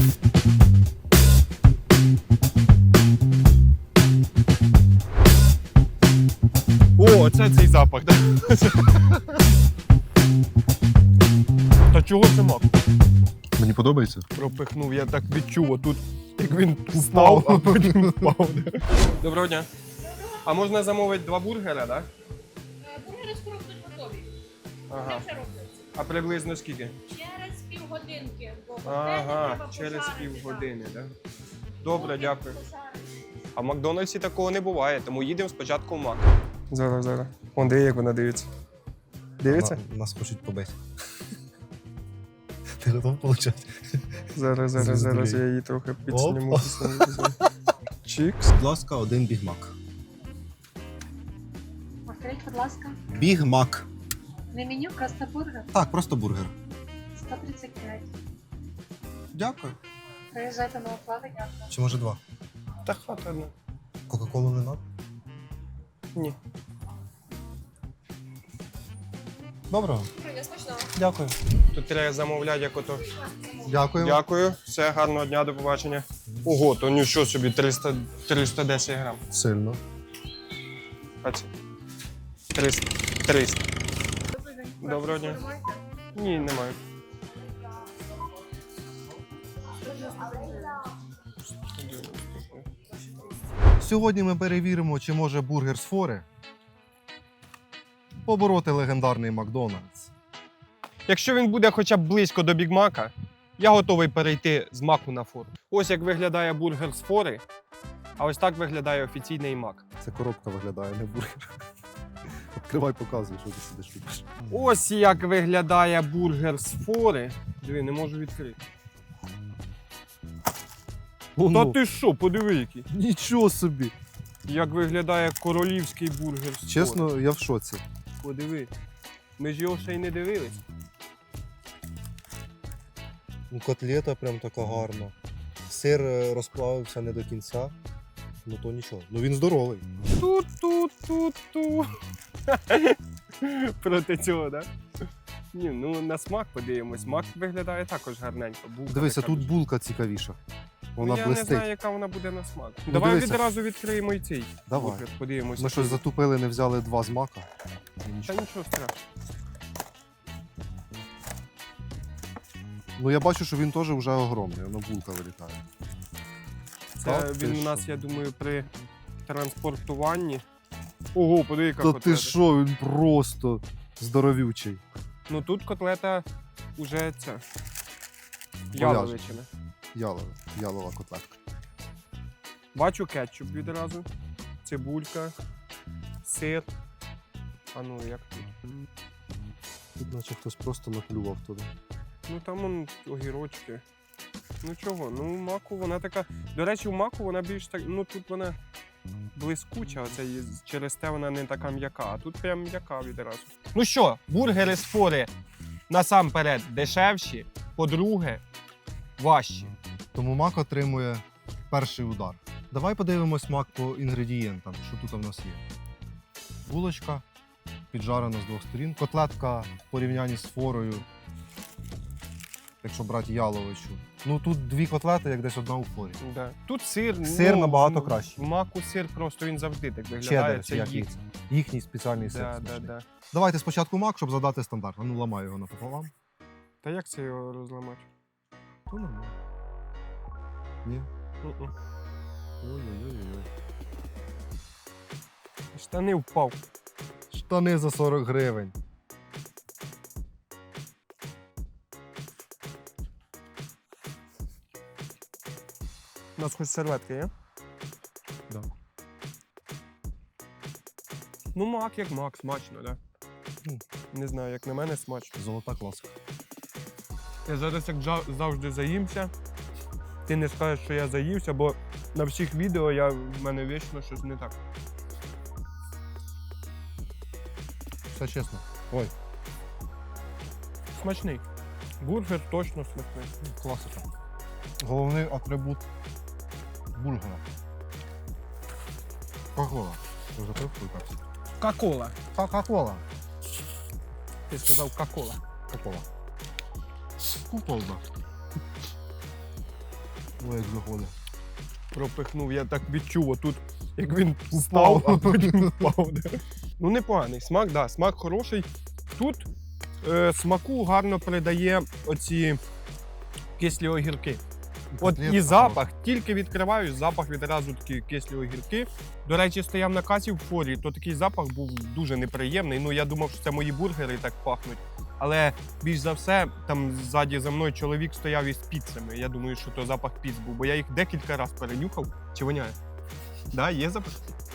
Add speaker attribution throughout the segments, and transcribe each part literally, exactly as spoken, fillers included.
Speaker 1: О, це цей запах, так? Та чого це мак?
Speaker 2: Мені подобається.
Speaker 1: Пропихнув, я так відчув, отут, як він встав, а потім впав. Доброго дня. А можна замовити два бургера, так?
Speaker 3: Бургери скоро будуть готові.
Speaker 1: Ага.
Speaker 3: Це вже робиться.
Speaker 1: А приблизно скільки?
Speaker 3: Через півгодинки. Бо
Speaker 1: Ага,
Speaker 3: треба
Speaker 1: через
Speaker 3: пожарити,
Speaker 1: півгодини, так?
Speaker 3: так.
Speaker 1: Добре, дякую.
Speaker 3: Пожарити.
Speaker 1: А в Макдональдсі такого не буває, тому їдемо спочатку в Мак. Зараз, зараз. Вон, диви, як вона дивиться. Дивиться?
Speaker 2: На- Нас хочуть побити. Ти готов получати?
Speaker 1: Зараз, зараз, зараз я її трохи підсніму.
Speaker 2: Оп.
Speaker 1: підсніму. Чікс.
Speaker 2: Будь ласка, один бігмак.
Speaker 3: Повторіть, будь ласка.
Speaker 2: Бігмак.
Speaker 3: Не меню, просто бургер.
Speaker 2: Так, просто бургер.
Speaker 3: сто тридцять п'ять.
Speaker 2: Дякую.
Speaker 3: Приїжджайте на оплату, дякую.
Speaker 2: Чи може два?
Speaker 1: Та хата одна.
Speaker 2: Кока-колу не надо?
Speaker 1: Ні.
Speaker 2: Доброго.
Speaker 3: Привіт, смачного.
Speaker 2: Дякую.
Speaker 1: Тут треба замовляти, як ото.
Speaker 2: Дякую.
Speaker 1: Дякую, все, гарного дня, до побачення. Ого, то нічого собі, триста, триста десять грам.
Speaker 2: Сильно.
Speaker 1: А це? триста. триста.
Speaker 3: Добрий день.
Speaker 1: Доброго дня. Ні, немає.
Speaker 2: Сьогодні ми перевіримо, чи може бургер з фори побороти легендарний Макдональдс.
Speaker 1: Якщо він буде хоча б близько до Бігмака, я готовий перейти з маку на фору. Ось як виглядає бургер з фори, а ось так виглядає офіційний мак.
Speaker 2: Це коробка виглядає, не бургер. Відкривай, показуй, що ти сидиш любиш.
Speaker 1: Ось як виглядає бургер з фори. Диви, не можу відкрити. Та ти що, подиви який.
Speaker 2: Нічого собі.
Speaker 1: Як виглядає королівський бургер з фори.
Speaker 2: Чесно, я в шоці.
Speaker 1: Подиви. Ми ж його ще й не дивились.
Speaker 2: Ну, котлета прям така гарна. Сир е, розплавився не до кінця. Ну то нічого. Ну він здоровий.
Speaker 1: Ту-ту-ту-ту. Проти цього, так? Да? Ні, ну на смак подивимось. Смак виглядає також гарненько. Булка
Speaker 2: Дивися,
Speaker 1: така.
Speaker 2: тут булка цікавіша. Вона
Speaker 1: Ну, я
Speaker 2: блистить.
Speaker 1: не знаю, яка вона буде на смак. Давай
Speaker 2: дивися.
Speaker 1: відразу відкриємо і цей
Speaker 2: Давай.
Speaker 1: бургер, подивимося.
Speaker 2: Ми щось затупили, не взяли два з мака.
Speaker 1: Та нічого страшного.
Speaker 2: Ну я бачу, що він теж вже огромний, воно булка вилітає.
Speaker 1: Це
Speaker 2: Та ти
Speaker 1: він у
Speaker 2: що?
Speaker 1: нас, я думаю, при транспортуванні. Ого, подиви, яка
Speaker 2: Та
Speaker 1: котлета.
Speaker 2: ти що, він просто здоровючий.
Speaker 1: Ну тут котлета уже ця.
Speaker 2: Говяжа.
Speaker 1: Яловичина.
Speaker 2: Ялова, ялова котлетка.
Speaker 1: Бачу кетчуп відразу, цибулька, сир. А ну як тут?
Speaker 2: Тут наче хтось просто наплював туди.
Speaker 1: Ну там он огірочки. Ну чого? Ну маку вона така. До речі, в маку вона більш так. Ну тут вона блискуча, оце є- через те вона не така м'яка, а тут прям м'яка відразу. Ну що, бургери з фори насамперед дешевші, по-друге, важчі.
Speaker 2: Тому мак отримує перший удар. Давай подивимось мак по інгредієнтам, що тут у нас є. Булочка піджарена з двох сторін. Котлетка в порівнянні з форою, якщо брати яловичу. Ну тут дві котлети, як десь одна у форі.
Speaker 1: Да. Тут сир.
Speaker 2: Сир
Speaker 1: ну,
Speaker 2: набагато
Speaker 1: ну,
Speaker 2: кращий.
Speaker 1: В маку сир просто він завжди так виглядає.
Speaker 2: Чеддер,
Speaker 1: Це
Speaker 2: як
Speaker 1: їх.
Speaker 2: їх. Їхній спеціальний сир.
Speaker 1: Да, да,
Speaker 2: смачний.
Speaker 1: да.
Speaker 2: Давайте спочатку мак, щоб задати стандарт. А ну ламаю його напополам.
Speaker 1: Та як це його розламати?
Speaker 2: То нормально. Ні.
Speaker 1: Мгм.
Speaker 2: Ой-ой-ой.
Speaker 1: Штани впав.
Speaker 2: Штани за сорок гривень.
Speaker 1: У нас хоч серветки є?
Speaker 2: Да.
Speaker 1: Ну, мак як мак, смачно, так?
Speaker 2: Ну.
Speaker 1: Да? Не знаю, як на мене смачно.
Speaker 2: Золота класка.
Speaker 1: Я зараз як жа- завжди заїмся. Ти не скажеш, що я заївся, бо на всіх відео я, в мене вічно щось не так.
Speaker 2: Все чесно. Ой,
Speaker 1: Смачний. Бургер точно смачний.
Speaker 2: класика. Головний атрибут бургера. Кока-кола. Ти вже пив свою пепсі?
Speaker 1: Кока-кола.
Speaker 2: Кока-кола.
Speaker 1: Ти сказав кока-кола.
Speaker 2: Кока-кола. Кока-кола. Ой, як заходить.
Speaker 1: Пропихнув, я так відчув, отут, як він впав, а потім впав. Да. Ну, непоганий. Смак, да, смак хороший. Тут е, смаку гарно передає оці кислі огірки. От
Speaker 2: Котлетка
Speaker 1: і запах, тільки відкриваю, запах відразу такі кислі огірки. До речі, стояв на касі в форі, то такий запах був дуже неприємний. Ну, я думав, що це мої бургери так пахнуть. Але більш за все, там ззаді за мною чоловік стояв із піцами. Я думаю, що то запах піц був, бо я їх декілька разів перенюхав. Чи воняє? Да, є запах?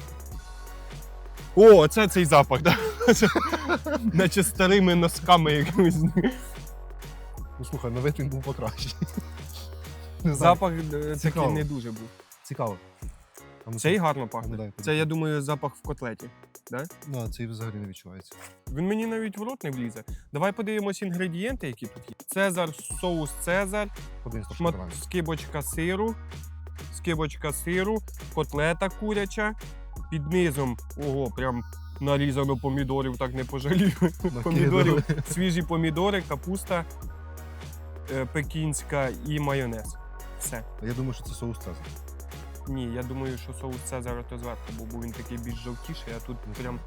Speaker 1: О, це цей запах, да? Наче старими носками якимись.
Speaker 2: Ну слухай, на вид він був покращий. Не знаю.
Speaker 1: Запах е, такий
Speaker 2: Цікаво.
Speaker 1: не дуже був.
Speaker 2: Цікаво. А ну,
Speaker 1: Цей
Speaker 2: це-
Speaker 1: гарно
Speaker 2: ну,
Speaker 1: пахне.
Speaker 2: дай,
Speaker 1: Це, я думаю, запах в котлеті. Да?
Speaker 2: Ну, а цей взагалі не відчувається.
Speaker 1: Він мені навіть в рот не влізе. Давай подивимось інгредієнти, які тут є. Цезар, соус Цезар,
Speaker 2: Один сто
Speaker 1: шмат...
Speaker 2: грамів.
Speaker 1: скибочка сиру, скибочка сиру, котлета куряча, під низом, ого, прям нарізано помідорів, так не пожалію. Помідорів, свіжі помідори, капуста е, пекінська і майонез. Все.
Speaker 2: Я думаю, що це соус Цезар.
Speaker 1: Ні, я думаю, що соус Цезар то зверху був, бо він такий більш жовтіший, а тут прям.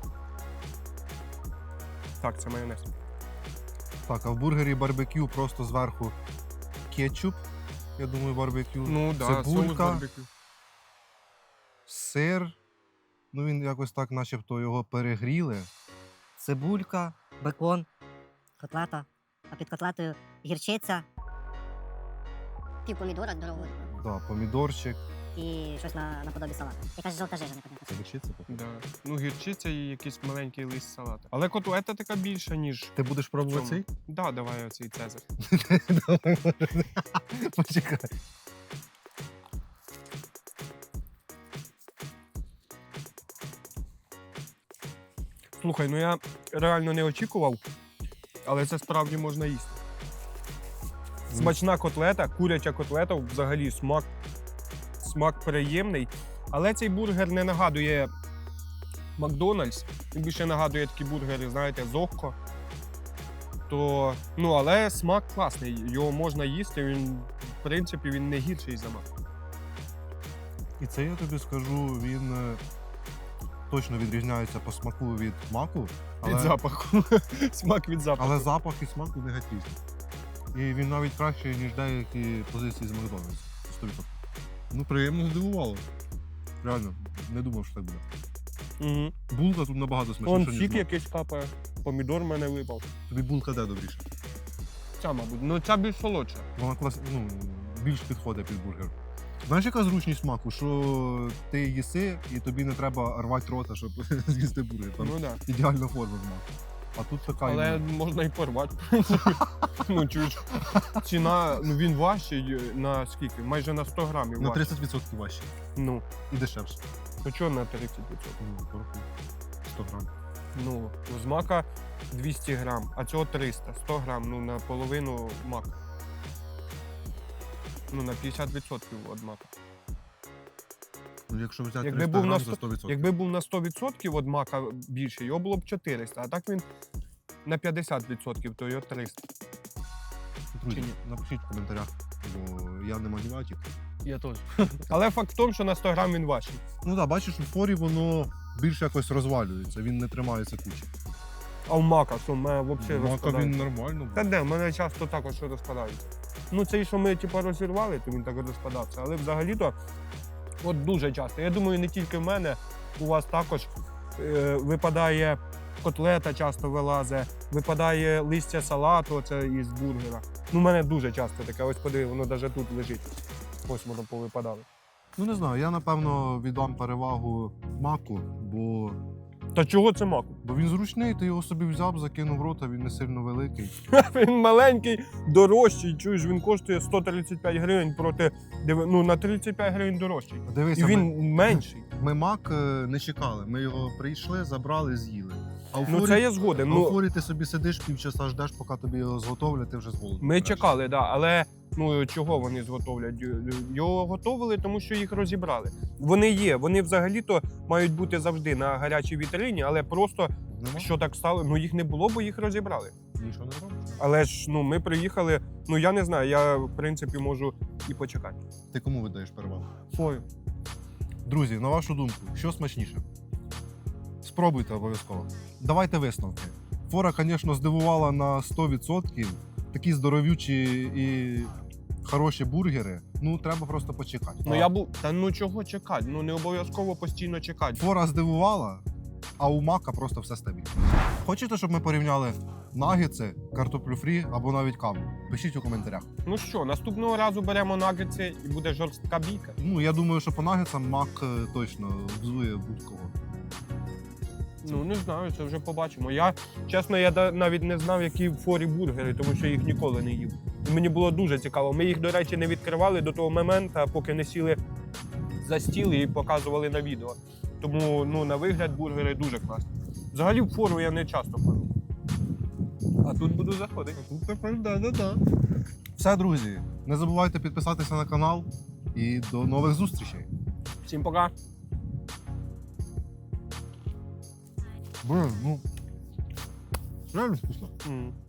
Speaker 1: Так, це майонез.
Speaker 2: Так, а в бургері барбекю просто зверху кетчуп. Я думаю, барбекю.
Speaker 1: Ну так, да, соус
Speaker 2: Цибулька,
Speaker 1: барбекю.
Speaker 2: сир. Ну він якось так, начебто, його перегріли.
Speaker 4: Цибулька, бекон, котлета, а під котлетою гірчиця
Speaker 5: Пів помідора дорогого.
Speaker 2: Да, помідорчик.
Speaker 4: і щось на, наподобі салату. Якась жовта жижа, непонятно.
Speaker 2: Це гірчиця? походу?
Speaker 1: Да. Ну, гірчиця і якийсь маленький лист салата. Але котлета така більша, ніж.
Speaker 2: Ти будеш пробувати
Speaker 1: в
Speaker 2: цей?
Speaker 1: цьому. Да, давай оцей Цезар.
Speaker 2: Давай, може. Почекай.
Speaker 1: Слухай, ну я реально не очікував, але це справді можна їсти. Смачна котлета, куряча котлета, взагалі смак, смак приємний. Але цей бургер не нагадує Макдональдс. Він більше нагадує такі бургери, знаєте, Зохко. То, ну, але смак класний, його можна їсти, він, в принципі, він не гірший за Мак.
Speaker 2: І це я тобі скажу, він е, точно відрізняється по смаку від маку,
Speaker 1: Від
Speaker 2: але,
Speaker 1: запаху. Смак від запаху.
Speaker 2: але запах і смак у них геть різні. І він навіть кращий, ніж деякі позиції з Макдональдс. сто відсотків. Ну, приємно здивувало. Реально, не думав, що так буде.
Speaker 1: Угу.
Speaker 2: Булка тут набагато
Speaker 1: Вон
Speaker 2: смачніша, ніж
Speaker 1: сік
Speaker 2: мак.
Speaker 1: якийсь капає, помідор в мене випав.
Speaker 2: Тобі булка де добріше?
Speaker 1: Ця, мабуть. Ну, ця більш солодша.
Speaker 2: Вона клас... ну, більш підходить під бургер. Знаєш, яка зручність смаку, що ти їси і тобі не треба рвати рота, щоб з'їсти бургер. Там
Speaker 1: Ну, да.
Speaker 2: ідеальна форма смаку. А тут така
Speaker 1: Але
Speaker 2: іменно.
Speaker 1: можна і порвати. Ну, чуєш, ціна, ну він важчий на скільки? Майже на сто грамів
Speaker 2: на
Speaker 1: важчий.
Speaker 2: тридцять відсотків важче
Speaker 1: Ну,
Speaker 2: і дешевше.
Speaker 1: ну чого на тридцять відсотків?
Speaker 2: Ну, порахуй. сто грам.
Speaker 1: Ну, з мака двісті грам, а цього триста. сто грам, ну на половину мака. Ну, на п'ятдесят відсотків від мака.
Speaker 2: Ну, якщо взяти
Speaker 1: Якби
Speaker 2: триста
Speaker 1: був на
Speaker 2: грам
Speaker 1: сто-
Speaker 2: за сто відсотків.
Speaker 1: Якби був на сто відсотків від мака більше, його було б чотириста, а так він на п'ятдесят відсотків, то його триста.
Speaker 2: Друзі,
Speaker 1: чи ні?
Speaker 2: напишіть в коментарях, бо я не математик.
Speaker 1: Я теж. Але факт в тому, що на сто грам він важчий.
Speaker 2: Ну так, бачиш, у форі воно більш якось розвалюється, він не тримається кучі.
Speaker 1: А в мака, що в мене взагалі
Speaker 2: Мака
Speaker 1: розпадається.
Speaker 2: він нормально.
Speaker 1: Та де, в мене часто також розпадається. Ну, цей, що ми типу, розірвали, то він так розпадався. Але взагалі-то от дуже часто. Я думаю, не тільки в мене, у вас також е, випадає котлета, часто вилазить, випадає листя салату оце із бургера. Ну, в мене дуже часто таке. Ось подиви, воно навіть тут лежить. Ось воно повипадало.
Speaker 2: Ну не знаю, я напевно віддам перевагу маку, бо,
Speaker 1: Та чого це маку?
Speaker 2: бо він зручний, ти його собі взяв, закинув в рот, а він не сильно великий.
Speaker 1: Він маленький, дорожчий, чуєш, він коштує сто тридцять п'ять гривень проти, диви- ну, на тридцять п'ять гривень дорожчий. І
Speaker 2: Дивися, ми,
Speaker 1: він менший.
Speaker 2: ми мак е, не чекали, ми його прийшли, забрали, з'їли. А у
Speaker 1: Ну
Speaker 2: форі,
Speaker 1: це я згоден.
Speaker 2: а у
Speaker 1: Ну,
Speaker 2: форі ти собі сидиш півчаса, ждеш, поки тобі його зготовлять, ти вже з голоду.
Speaker 1: ми
Speaker 2: помреш.
Speaker 1: чекали, да, але ну чого вони зготовлять? Його готовили, тому що їх розібрали. Вони є, вони взагалі-то мають бути завжди на гарячій вітрині, але просто
Speaker 2: Нема?
Speaker 1: що так стало, ну їх не було, бо їх розібрали.
Speaker 2: Нічого не робиш.
Speaker 1: Але ж ну, ми приїхали, ну я не знаю, я в принципі можу і почекати.
Speaker 2: Ти кому віддаєш перевагу?
Speaker 1: Фою.
Speaker 2: Друзі, на вашу думку, що смачніше? Спробуйте обов'язково. Давайте висновки. Фора, звісно, здивувала на сто відсотків. Такі здоровючі і хороші бургери. Ну, треба просто почекати.
Speaker 1: Ну я був. Та ну чого чекати? Ну не обов'язково постійно чекати.
Speaker 2: Фора здивувала, а у мака просто все стабільно. Хочете, щоб ми порівняли нагетси, картоплю фрі або навіть каву? Пишіть у коментарях.
Speaker 1: Ну що, наступного разу беремо нагетси і буде жорстка бійка.
Speaker 2: Ну, я думаю, що по нагетсам мак е, точно взує будь-кого.
Speaker 1: Ну не знаю, це вже побачимо. Я чесно, я да- навіть не знав, які в форі бургери, тому що їх ніколи не їв. І мені було дуже цікаво. Ми їх, до речі, не відкривали до того моменту, поки не сіли за стіл і показували на відео. Тому ну, на вигляд бургери дуже класні. Взагалі в фору я не часто ходжу. А тут буду заходити.
Speaker 2: Тут тепер да-да-да. Все, друзі, не забувайте підписатися на канал і до нових зустрічей.
Speaker 1: Всім пока!
Speaker 2: Блин, ну реально вкусно.
Speaker 1: М.